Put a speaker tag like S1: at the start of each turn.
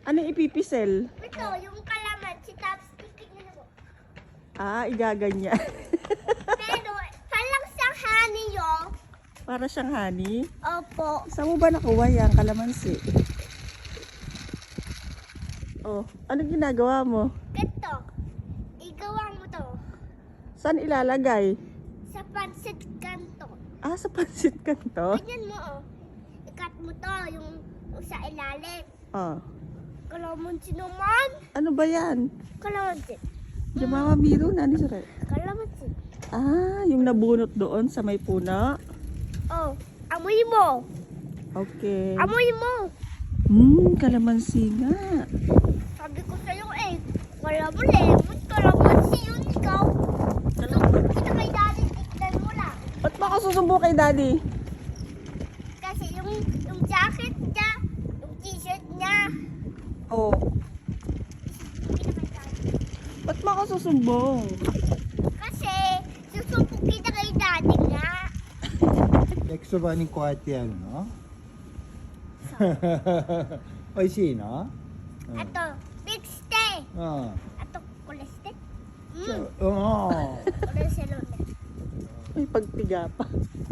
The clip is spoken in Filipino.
S1: Ano ipipisel?
S2: Ito, yung kalamansi, tapos titignan mo.
S1: Ah, igaganyan.
S2: Pero, parang siyang honey yung.
S1: Para siyang honey.
S2: Opo.
S1: Saan mo ba nakuha yan, kalamansi? Oh, anong ginagawa mo?
S2: Ito, igawa mo to.
S1: Saan ilalagay?
S2: Sa pansit kanto.
S1: Ah, sa pansit kanto?
S2: Ganyan mo, oh. Ikat mo to, yung sa ilalim.
S1: Oh.
S2: Kalamansi naman.
S1: Ano ba yan?
S2: Kalamansi.
S1: Yung mama biro na ni Sure.
S2: Kalamansi.
S1: Ah, yung nabunot doon sa may puno.
S2: Oh, amoy mo.
S1: Okay.
S2: Amoy mo.
S1: Kalamansi nga.
S2: Sabi ko sa'yo eh, wala mo lemon, kalamansi yun ikaw. Kita kay daddy, tignan mo lang.
S1: Ba't ba ka susumbo kay daddy?
S2: Kasi yung jacket niya, yung t-shirt niya,
S1: Oh.
S2: kita kay daddy.
S1: Ba't ba ka susumbong?
S2: Kasi, susupok kita kay daddy nga.
S3: 焼きそばにこうやってやるの美味しいの
S2: Ato, big stay.
S3: うん
S2: Ato, kuleste.
S3: うん
S2: Kuleste.
S1: May pagtiga pa.